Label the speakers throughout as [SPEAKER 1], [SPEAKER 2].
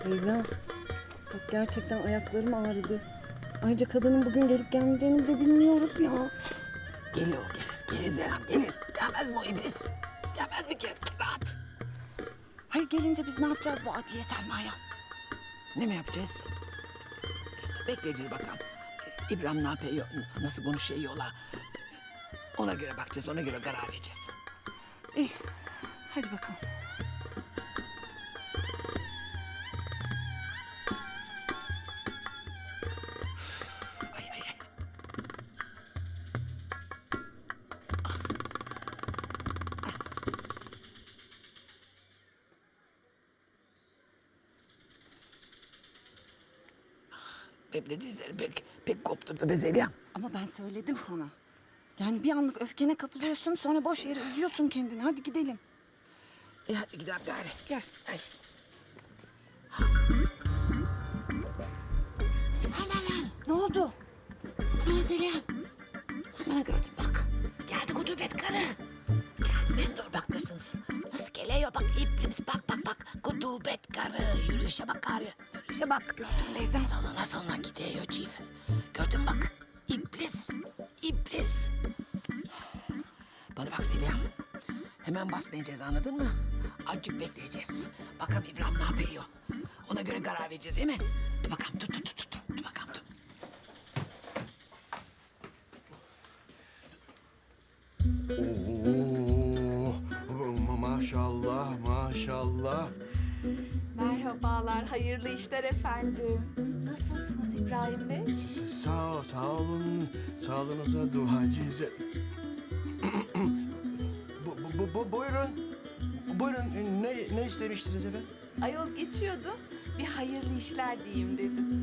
[SPEAKER 1] Teyzem, bak gerçekten ayaklarım ağrıdı. Ayrıca kadının bugün gelip gelmeyeceğini bile bilmiyoruz ya.
[SPEAKER 2] Gelir o gelir. Gelir Zeyhan gelir. Gelmez mi o iblis? Gelmez mi ki? Rahat.
[SPEAKER 1] Hayır, gelince biz ne yapacağız bu Adliye Selma'ya?
[SPEAKER 2] Ne mi yapacağız? Bekleyeceğiz bakalım. İbrahim ne yapıyor, nasıl konuşuyorlar. Ona göre bakacağız, ona göre karar vereceğiz.
[SPEAKER 1] İyi, hadi bakalım.
[SPEAKER 2] Ay ay ay. Benim de dizlerim pek kopturdu be Zeliha'm.
[SPEAKER 1] Ama ben söyledim sana. Yani bir anlık öfkene kapılıyorsun, sonra boş yere üzüyorsun kendini. Hadi gidelim.
[SPEAKER 2] Hadi gidelim gari.
[SPEAKER 1] Gel.
[SPEAKER 2] Ay. Aman
[SPEAKER 1] Ne oldu?
[SPEAKER 2] aman Zeliha'm. Aman gördüm bak. Geldi kudubet karı. Geldi Mendor bak nasılsın? Nasıl geliyor bak iblis bak. Kudubet karı. Yürüyüşe bak karı. Yürüyüşe bak. Gördün teyzem. Salına gidiyor çift. Gördün bak. İblis. Bana bak Zeliha'm. Hemen basmayacağız anladın mı? Azıcık bekleyeceğiz. Bakalım İbrahim ne yapıyor. Ona göre karar vereceğiz değil mi? Dur bakalım dur. Dur bakalım dur.
[SPEAKER 3] Maşallah.
[SPEAKER 4] Merhabalar, hayırlı işler efendim. Nasılsınız İbrahim Bey?
[SPEAKER 3] Sağ olun. Sağlığınıza duacıyız. Buyurun. Ne istemiştiniz efendim?
[SPEAKER 4] Ayol geçiyordum, bir hayırlı işler diyeyim dedim.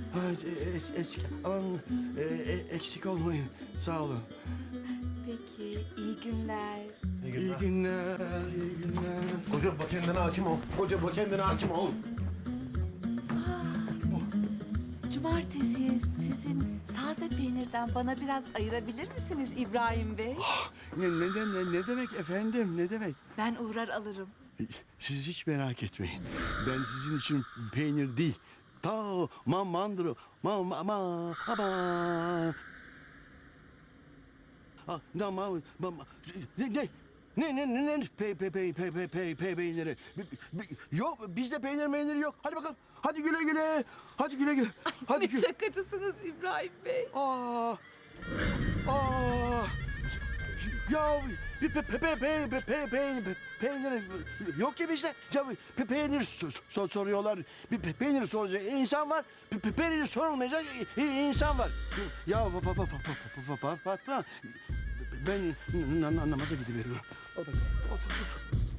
[SPEAKER 3] Eksik olmayın. Sağ olun.
[SPEAKER 4] Peki, iyi günler.
[SPEAKER 3] İyi günler.
[SPEAKER 5] Koca bak kendine hakim ol.
[SPEAKER 4] Cumartesi sizin taze peynirden bana biraz ayırabilir misiniz İbrahim Bey?
[SPEAKER 3] Ne demek efendim? Ne demek?
[SPEAKER 4] Ben uğrar alırım.
[SPEAKER 3] Siz hiç merak etmeyin. Ben sizin için peynir değil. Mandro. Ne peyniri? Yok bizde peyniri yok. Hadi bakalım. Hadi güle. Hadi güle. Hadi
[SPEAKER 4] Ne şakacısınız İbrahim Bey.
[SPEAKER 3] Aa. Ya bir peynir yok ki bizde. Ya peynir soruyorlar. Bir peynir soracak insan var. Peynir sorulmayacak insan var. Ya Fatma ben namaza gidiveriyorum. Otur.